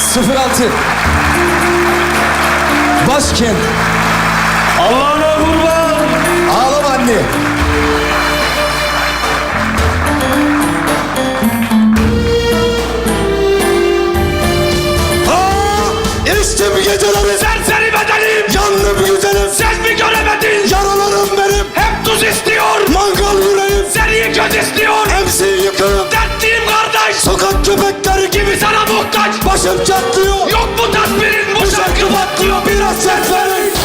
06 Başkent. Allah'ına kurban. Ağlama anne. İçtim geceleri, Serseri bedenim. yandım güzelim. Sen mi göremedin? Yaralarım benim, Hep tuz istiyor. mangal yüreğim. Seni göz istiyor. Hepsi yıkığım, Dertliyim kardeş. sokak köpekleri gibi Gibi sana muhtaç. başım çatlıyor. Yok mu tasvirin? Bu Bu şarkı patlıyor, biraz ses verin.